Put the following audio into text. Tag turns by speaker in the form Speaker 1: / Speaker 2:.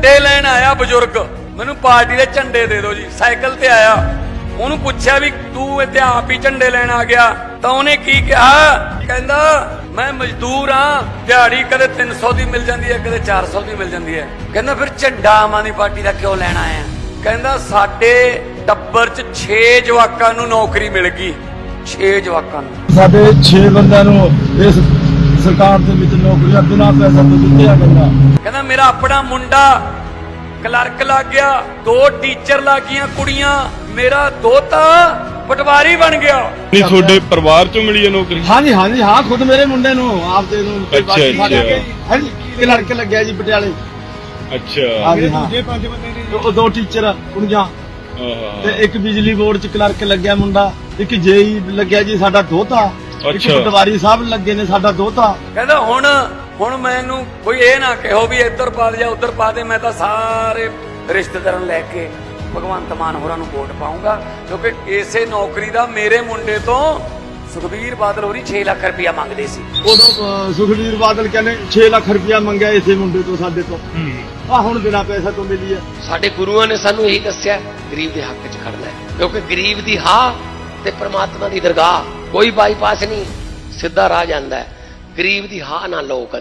Speaker 1: ਝੰਡੇ ਲੈਣ ਆਇਆ ਬਜ਼ੁਰਗ, ਮੈਨੂੰ ਪਾਰਟੀ ਦੇ ਝੰਡੇ ਦੇ ਦਿਓ ਜੀ। ਸਾਈਕਲ ਤੇ ਆਇਆ, ਉਹਨੂੰ ਪੁੱਛਿਆ ਵੀ ਤੂੰ ਇੱਥੇ ਆਪ ਹੀ ਝੰਡੇ ਲੈਣ ਆ ਗਿਆ? ਤਾਂ ਉਹਨੇ ਕੀ ਕਿਹਾ, ਕਹਿੰਦਾ ਮੈਂ ਮਜ਼ਦੂਰ ਹਾਂ, ਦਿਹਾੜੀ ਕਦੇ 300 ਦੀ ਮਿਲ ਜਾਂਦੀ ਹੈ, ਕਦੇ 400 ਦੀ ਮਿਲ ਜਾਂਦੀ ਹੈ। ਕਹਿੰਦਾ ਫਿਰ ਝੰਡਾ ਆਮ ਆਦਮੀ ਪਾਰਟੀ ਦਾ ਕਿਉਂ ਲੈਣ ਆਇਆ? ਕਹਿੰਦਾ ਸਾਡੇ ਟੱਬਰ 'ਚ 6 ਜਵਾਕਾਂ ਨੂੰ ਨੌਕਰੀ ਮਿਲ ਗਈ, 6 ਜਵਾਕਾਂ ਨੂੰ।
Speaker 2: ਸਾਡੇ 6 ਬੰਦਿਆਂ ਨੂੰ ਇਸ ਸਰਕਾਰ ਦੇ ਵਿੱਚ ਨੌਕਰੀਆਂ ਬਿਨਾਂ ਪੈਸਾ ਤੋਂ ਦਿੱਤੀਆਂ ਗਈਆਂ।
Speaker 1: ਕਹਿੰਦਾ ਮੇਰਾ ਆਪਣਾ ਮੁੰਡਾ ਕਲਰਕ ਲੱਗ ਗਿਆ, 2 ਟੀਚਰ ਲੱਗ ਗਈਆਂ ਕੁੜੀਆਂ, ਮੇਰਾ ਦੋਤਾ ਪਟਵਾਰੀ ਬਣ ਗਿਆ।
Speaker 3: ਨਹੀਂ ਤੁਹਾਡੇ ਪਰਿਵਾਰ ਚੋਂ ਮਿਲੀ ਹੈ ਨੌਕਰੀ?
Speaker 2: ਹਾਂਜੀ ਹਾਂਜੀ ਹਾਂ, ਖੁਦ ਮੇਰੇ ਮੁੰਡੇ ਨੂੰ ਆਪਦੇ ਨੂੰ
Speaker 3: ਅੱਛਾ।
Speaker 2: ਹਾਂਜੀ ਕਲਰਕ ਲੱਗਿਆ ਜੀ ਪਟਿਆਲੇ।
Speaker 3: ਅੱਛਾ
Speaker 2: ਹਾਂਜੀ ਹਾਂ, ਦੂਜੇ 5 ਬੰਦੇ ਨੇ, 2 ਟੀਚਰ ਕੁੜੀਆਂ ਤੇ ਇੱਕ ਬਿਜਲੀ ਬੋਰਡ 'ਚ ਕਲਰਕ ਲੱਗਿਆ ਮੁੰਡਾ, ਇੱਕ ਜੇਈ ਲੱਗਿਆ ਜੀ ਸਾਡਾ ਦੋਤਾ, ਇੱਕ ਪਟਵਾਰੀ ਸਾਹਿਬ ਲੱਗੇ ਨੇ ਸਾਡਾ ਦੋਤਾ।
Speaker 1: ਕਹਿੰਦਾ ਹੁਣ ਮੈਨੂੰ ਕੋਈ ਇਹ ਨਾ ਕਹੋ ਵੀ ਇੱਧਰ ਪਾ ਦੇ ਜਾਂ ਉੱਧਰ ਪਾ ਦੇ, ਮੈਂ ਤਾਂ ਸਾਰੇ ਰਿਸ਼ਤੇਦਾਰਾਂ ਲੈ ਕੇ ਭਗਵੰਤ ਮਾਨ ਹੋਰਾਂ ਨੂੰ ਵੋਟ ਪਾਉਂਗਾ, ਕਿਉਂਕਿ ਇਸੇ ਨੌਕਰੀ ਦਾ ਮੇਰੇ ਮੁੰਡੇ ਤੋਂ ਸੁਖਬੀਰ ਬਾਦਲ ਹੋਰੀ 6 ਲੱਖ ਰੁਪਇਆ ਮੰਗਦੇ ਸੀ।
Speaker 2: ਉਦੋਂ ਸੁਖਬੀਰ ਬਾਦਲ ਕਹਿੰਦੇ 6 ਲੱਖ ਰੁਪਇਆ ਮੰਗਿਆ ਇਸੇ ਮੁੰਡੇ ਤੋਂ ਸਾਡੇ ਤੋਂ, ਆ ਹੁਣ ਬਿਨਾਂ ਪੈਸਾ ਤੋਂ ਮਿਲੀ ਹੈ।
Speaker 4: ਸਾਡੇ ਗੁਰੂਆਂ ਨੇ ਸਾਨੂੰ ਇਹੀ ਦੱਸਿਆ, ਗਰੀਬ ਦੇ ਹੱਕ 'ਚ ਖੜਨਾ ਹੈ, ਕਿਉਂਕਿ ਗਰੀਬ ਦੀ ਹਾਂ ਤੇ ਪ੍ਰਮਾਤਮਾ ਦੀ ਦਰਗਾਹ, ਕੋਈ ਬਾਈਪਾਸ ਨਹੀਂ, ਸਿੱਧਾ ਰਾਹ ਜਾਂਦਾ ਹੈ। ਗਰੀਬ ਦੀ ਹਾਂ ਨਾ ਲਓ।